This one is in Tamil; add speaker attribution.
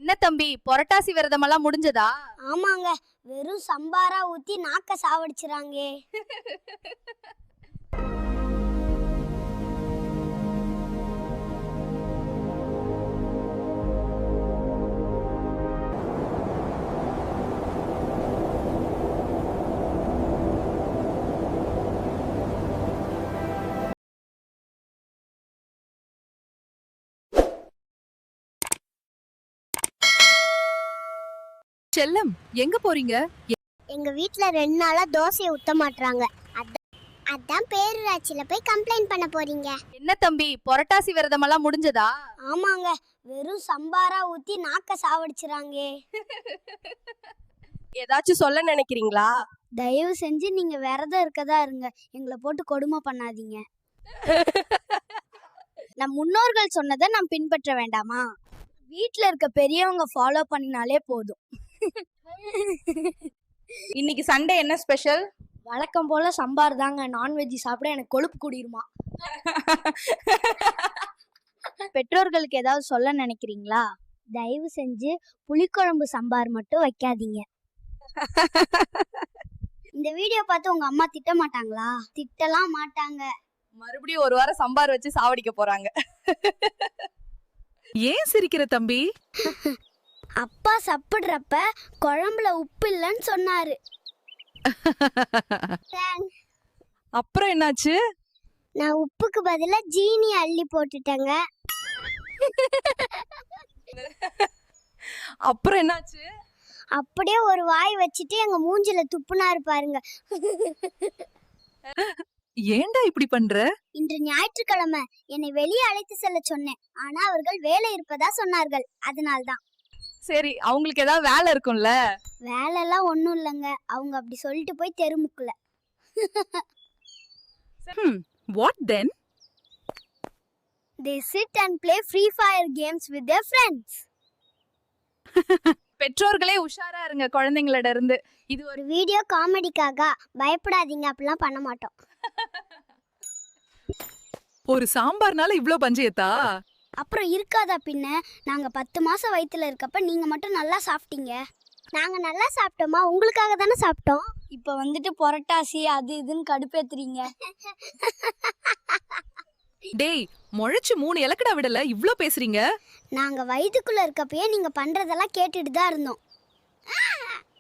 Speaker 1: என்ன தம்பி, புரட்டாசி விரதமெல்லாம் முடிஞ்சதா?
Speaker 2: ஆமாங்க, வெறும் சம்பாரா ஊத்தி நாக்க சாவடிச்சுறாங்க.
Speaker 1: செல்லம், எங்க போறீங்க?
Speaker 2: எங்க வீட்ல 2 நாளா தோசையை ஊத்த மாட்றாங்க. அதான் பேரூராட்சியில போய் கம்ப்ளைண்ட் பண்ண போறீங்க.
Speaker 1: என்ன தம்பி, புரட்டாசி விரதமெல்லாம் முடிஞ்சதா?
Speaker 2: ஆமாங்க, வெறும் சம்பாரா ஊத்தி நாக்க சாவடிச்சுறாங்க.
Speaker 3: ஏதாச்சும் சொல்ல நினைக்கிறீங்களா?
Speaker 2: தயவு செஞ்சு நீங்க விரதம் இருக்கதா இருங்க, எங்களை போட்டு கொடுமை பண்ணாதீங்க. நம் முன்னோர்கள் சொன்னதை நாம் பின்பற்ற வேண்டாமா? வீட்ல இருக்க பெரியவங்க ஃபாலோ பண்ணினாலே போதும்.
Speaker 1: இன்னைக்கு சண்டே என்ன ஸ்பெஷல்?
Speaker 2: வழக்கம் போல சம்பார் தாங்க. நான்வெஜ் சாப்பிட எனக்கு கொழுப்பு கூடிருமா. பெற்றோர்களுக்கு ஏதாவது சொல்ல நினைக்கிறீங்களா? தயவு செஞ்சு புளிக்குழம்பு சாம்பார் மட்டும் வைக்காதீங்க. இந்த வீடியோ பார்த்து உங்க அம்மா திட்ட மாட்டாங்களா? திட்டலாம் மாட்டாங்க.
Speaker 1: மறுபடியும் ஒரு வாரம் சம்பார் வச்சு சாவடிக்க போறாங்க. ஏன் சிரிக்கிற தம்பி?
Speaker 2: அப்பா சாப்பிடுறப்ப குழம்புல உப்பு இல்லைன்னு சொன்னாரு.
Speaker 1: அப்புறம் என்னாச்சு?
Speaker 2: நான் உப்புக்கு பதிலா ஜீனி அள்ளி போட்டுட்டேங்க.
Speaker 1: அப்புறம் என்னாச்சு?
Speaker 2: அப்படியே ஒரு வாய் வச்சுட்டு எங்க மூஞ்சில துப்புனாரு பாருங்க.
Speaker 1: ஏன்டா இப்படி பண்ற?
Speaker 2: இன்று ஞாயிற்றுக்கிழமை என்னை வெளியே அழைத்து செல்ல சொன்னேன். ஆனா அவர்கள் வேலை இருப்பதா சொன்னார்கள். அதனால்தான்.
Speaker 1: சரி, அவங்களுக்கு ஏதாவது வேலை இருக்கும்ல?
Speaker 2: வேலை எல்லாம் ஒண்ணும் இல்லைங்க. அவங்க அப்படி சொல்லிட்டு போய் தெருமுக்குல.
Speaker 1: What then?
Speaker 2: They sit and play Free Fire games with their friends.
Speaker 1: பெற்றோர்களே உஷாரா இருங்க குழந்தைங்களோட இருந்து. இது ஒரு
Speaker 2: ஒரு வீடியோ காமெடிக்காக. பயப்படாதீங்க, அப்படிலாம் பண்ண மாட்டோம்.
Speaker 1: ஒரு சாம்பார்னால இவ்ளோ பஞ்சயத்தா?
Speaker 2: அப்புறம் இருக்காதா பின்ன? நாங்க 10 மாசம் வயித்துல இருக்கப்ப நீங்க மட்டும் நல்லா சாப்பிட்டீங்க. நாங்க நல்லா சாப்பிட்டோமா? உங்களுக்காக தானே சாப்பிட்டோம். இப்ப வந்துட்டு புரட்டாசி அது இதுன்னு கடுப்பேத்துறீங்க.
Speaker 1: டேய், முளைச்சு 3 இலக்கடா விடல, இவ்ளோ பேசுறீங்க?
Speaker 2: நாங்க வயித்துக்குள்ள இருக்கப்பயே நீங்க பண்றதெல்லாம் கேட்டுட்டு தான் இருந்தோம்.